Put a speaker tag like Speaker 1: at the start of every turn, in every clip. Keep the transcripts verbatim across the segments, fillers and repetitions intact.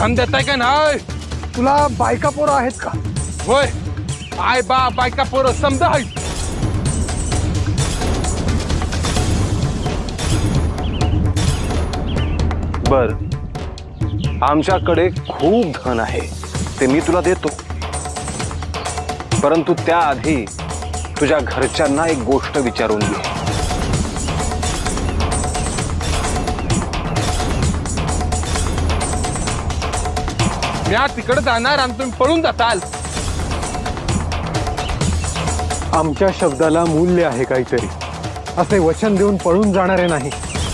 Speaker 1: धन देताय का नाही?
Speaker 2: तुला बायका पोरं आहेत का?
Speaker 1: होय, आय बा बायका पोरं समजा आहेत.
Speaker 3: बर, आमच्याकडे खूप धन आहे, ते मी तुला देतो. परंतु त्याआधी तुझ्या घरच्यांना एक गोष्ट विचारून घे.
Speaker 1: मी तिकडे जाणार आणि तुम्ही पळून जाताल.
Speaker 2: आमच्या शब्दाला मूल्य आहे काहीतरी. असे वचन देऊन पळून जाणारे नाही.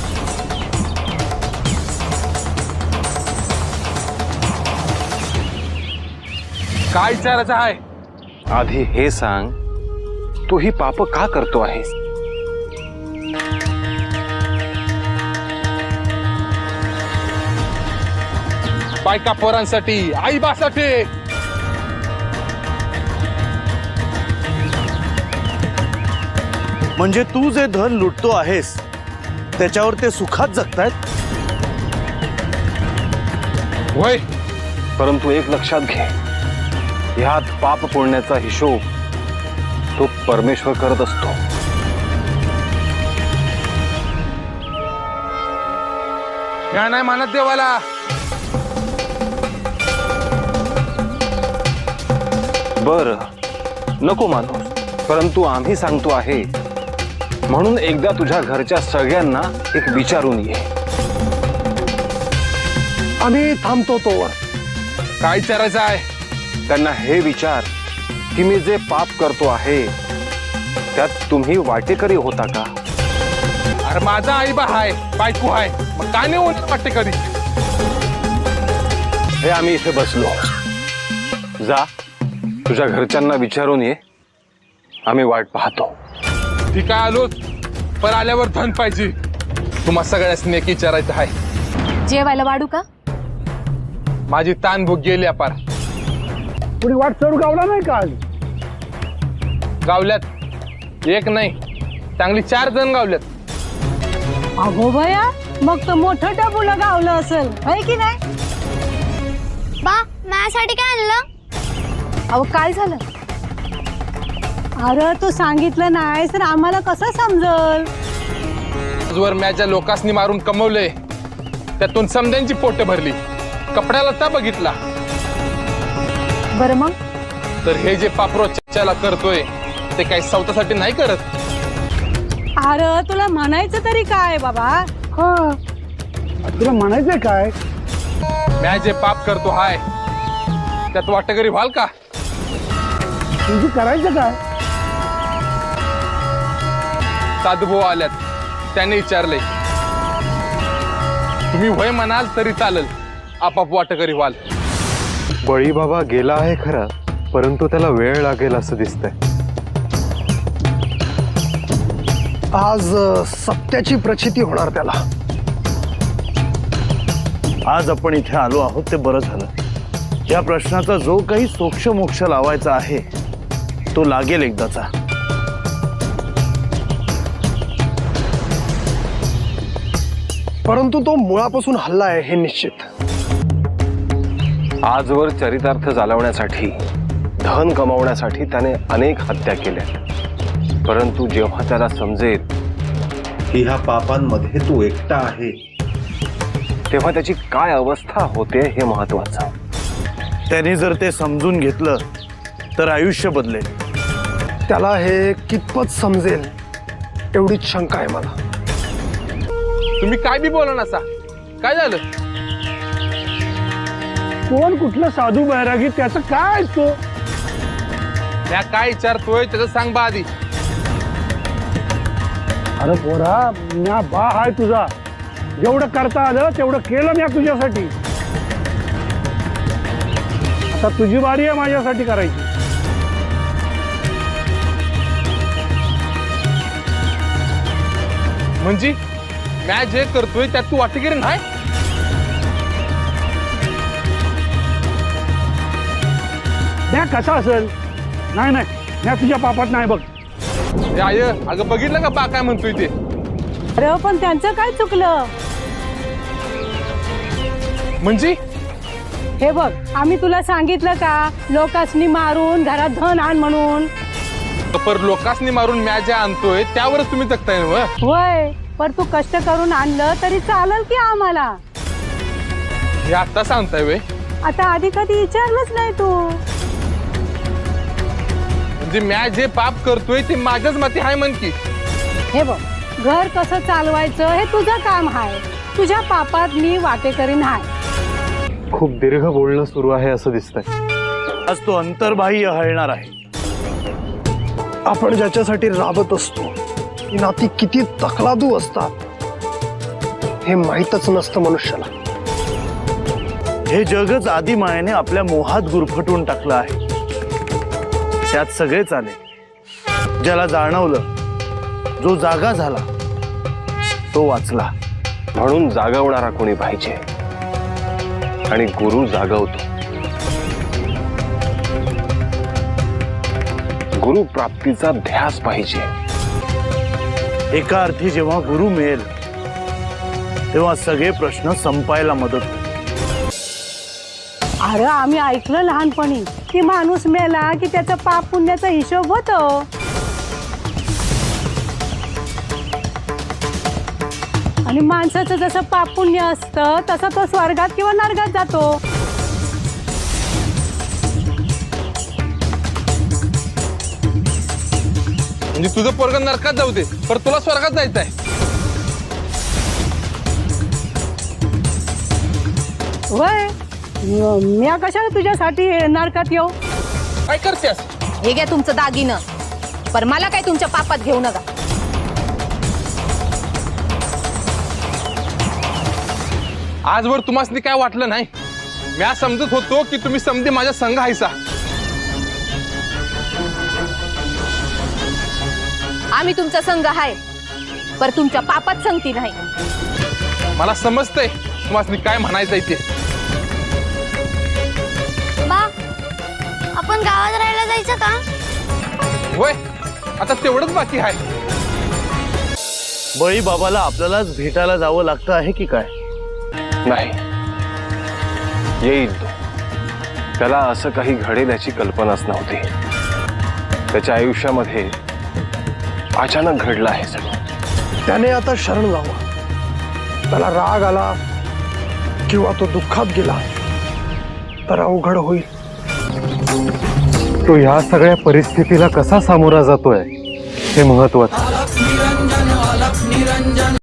Speaker 1: काय विचारायचं आहे?
Speaker 3: आधी हे सांग, तू ही पाप का करतो आहेस?
Speaker 1: बायका पोरांसाठी, आई बासाठी.
Speaker 4: म्हणजे तू जे धन लुटतो आहेस त्याच्यावर ते सुखात जगतायत?
Speaker 1: होय,
Speaker 3: परंतु एक लक्षात घे, ह्यात पाप पुण्याचा हिशोब तो परमेश्वर करत असतो.
Speaker 1: या नाही मानत देवाला.
Speaker 3: बर, नको मानू, परंतु आम्ही सांगतो आहे म्हणून एकदा तुझ्या घरच्या सगळ्यांना एक विचारून ये.
Speaker 2: आम्ही थांबतो तोवर.
Speaker 1: काय विचारायचं आहे?
Speaker 3: त्यांना हे विचार की मी जे पाप करतो आहे त्यात तुम्ही वाटेकरी होता का?
Speaker 1: अरे माझा आई बा हाय, बायको हाय, मग काय नाही होत वाटते कधी?
Speaker 3: हे आम्ही इथे बसलो. जा, तुझ्या घरच्यांना विचारून ये, आम्ही वाट पाहतो.
Speaker 1: ठीक आहे, आलो. पण आल्यावर धन पाहिजे. तुम्हा सगळ्यांनी एक विचारायचं आहे.
Speaker 5: जेवायला वाढू का?
Speaker 1: माझी तान भूक गेली अपार.
Speaker 2: पुढे वाट चढू गावला नाही का आज?
Speaker 1: गावल्यात एक नाही, चांगली चार जण गावल्यात.
Speaker 6: अगो बया, मग तर मोठं डबुला गावलं असेल, है की नाही?
Speaker 5: बा, माझ्यासाठी काय आणलं? अहो काय झालं?
Speaker 6: अरे तू सांगितलं नाहीस तर आम्हाला कसं समजल?
Speaker 1: वर मॅच्या लोकांनी मारून कमवले, त्यातून समद्यांची पोट भरली. कपड्याला ता बघितला.
Speaker 5: बरं मग?
Speaker 1: तर हे जे पापरो चर्चाला करतोय ते काही स्वतःसाठी नाही करत.
Speaker 6: अरे तुला म्हणायचं तरी काय बाबा?
Speaker 2: हा, तुला म्हणायचंय काय?
Speaker 1: मॅ जे पाप करतो हाय त्यात वाटेकरी व्हाल का?
Speaker 2: तुझी करायचं काय?
Speaker 1: साधुभाऊ आल्यात, त्यांनी विचारले. तुम्ही वय म्हणाल तरी चालेल, आपाप वाटेकरी व्हाल.
Speaker 2: बळी बाबा गेला आहे खरा, परंतु त्याला वेळ लागेल असं दिसतंय. आज अ, सत्याची प्रचिती होणार त्याला.
Speaker 4: आज आपण इथे आलो आहोत ते बरं झालं. या प्रश्नाचा जो काही सोक्ष मोक्ष लावायचा आहे तो लागेल एकदाचा.
Speaker 2: परंतु तो मुळापासून हल्ला आहे हे निश्चित.
Speaker 3: आजवर चरितार्थ चालवण्यासाठी, धन कमावण्यासाठी त्याने अनेक हत्या केल्या. परंतु जेव्हा त्याला समजेल
Speaker 7: की ह्या पापांमध्ये तू एकटा आहे,
Speaker 3: तेव्हा त्याची काय अवस्था होते हे महत्वाचं.
Speaker 4: त्याने जर ते समजून घेतलं तर आयुष्य बदलेल.
Speaker 2: त्याला हे कितपत समजेल एवढीच शंका आहे मला.
Speaker 1: तुम्ही काय बी बोला नसा. काय झालं?
Speaker 2: कोण कुठलं साधू बैरागी त्याचं काय तो?
Speaker 1: म्या काय विचारतोय त्याचं सांग बा आधी.
Speaker 2: अरे पोरा, म्या बा हाय तुझा. जेवढं करता आलं तेवढं केलं म्या तुझ्यासाठी. आता तुझी बारी आहे माझ्यासाठी करायची.
Speaker 1: म्हणजे म्या जे करतोय त्यात तू वाटेकरी नाही?
Speaker 2: म्या कसा असेल? नाही नाही, म्या तुझ्या पापात नाही बघ.
Speaker 1: ए आय, अगं बघितलं का बा काय म्हणतोय ते?
Speaker 6: अरे पण त्यांचं काय चुकलं?
Speaker 1: म्हणजे
Speaker 6: हे बघ, आम्ही तुला सांगितलं का लोकांनी मारून घरात धन आण म्हणून?
Speaker 1: पर लोकांनी मारून म्या ज्या आणतोय त्यावरच तुम्ही जगताय ना.
Speaker 6: होय, पर तू कष्ट करून आणलं तरी चालेल की आम्हाला?
Speaker 1: हे आता सांगताय वे?
Speaker 6: आता आधी कधी विचारलंच नाही तू.
Speaker 1: म्हणजे म्या जे पाप करतोय ते माझ्याच माती हाय म्हण की.
Speaker 6: हे बघ, घर कसं चालवायचं हे तुझं काम आहे. तुझ्या पापात मी वाटेकरी नाही.
Speaker 3: खूप दीर्घ बोलणं सुरू आहे असं दिसतंय.
Speaker 4: आज तो अंतर्बाह्य हलणार आहे.
Speaker 2: आपण ज्याच्यासाठी राबत असतो ती नाती किती तकलादू असतात हे माहीतच नसतं मनुष्याला.
Speaker 4: हे जगच आदिमायेने आपल्या मोहात गुरफटवून टाकलं आहे. त्यात सगळेच आले. ज्याला जाणवलं, जो जागा झाला तो वाचला.
Speaker 3: म्हणून जागवणारा कोणी पाहिजे आणि गुरु जागवतो. गुरु प्राप्तीचा ध्यास पाहिजे.
Speaker 4: एका अर्थी जेव्हा गुरु मिळेल तेव्हा सगळे प्रश्न संपायला मदत होईल.
Speaker 6: अरे आम्ही ऐकलं लहानपणी की माणूस मेला की त्याचा पाप पुण्याचा हिशोब होतो. आणि माणसाचं जसं पाप पुण्य असतं तसं तो स्वर्गात किंवा नरकात जातो.
Speaker 1: म्हणजे तुझं पोरग नरकात जाऊ दे, पर तुला स्वर्गात जायचंय.
Speaker 6: वय मी कशाला तुझ्यासाठी नरकात येऊ?
Speaker 1: काय करतेस?
Speaker 5: हे घ्या तुमचं दागिनं, पर मला काय तुमच्या पापात घेऊ नका.
Speaker 1: आजवर तुम्हाला काय वाटलं नाही? म्या समजत होतो की तुम्ही समधी माझ्या संघ हायसा.
Speaker 5: आम्ही तुमचा संघ आहे, पर तुमच्या पापात संगती नाही.
Speaker 1: मला समजतंय तुम्हाला काय म्हणायचंय ते.
Speaker 5: बा, आपण गावात राहायला जायचं का?
Speaker 1: होय, आता तेवढंच बाकी आहे.
Speaker 4: बळी बाबाला आपल्यालाच भेटायला जावं लागतं आहे की काय?
Speaker 3: नाही, येईल तो. त्याला असं काही घडेल याची कल्पनाच नव्हती. त्याच्या आयुष्यामध्ये अचानक घडलं आहे सगळं.
Speaker 2: त्याने आता शरण जावं. त्याला राग आला किंवा तो दुःखात गेला तर अवघड होईल.
Speaker 3: तो ह्या सगळ्या परिस्थितीला कसा सामोरा जातोय हे महत्वाचं.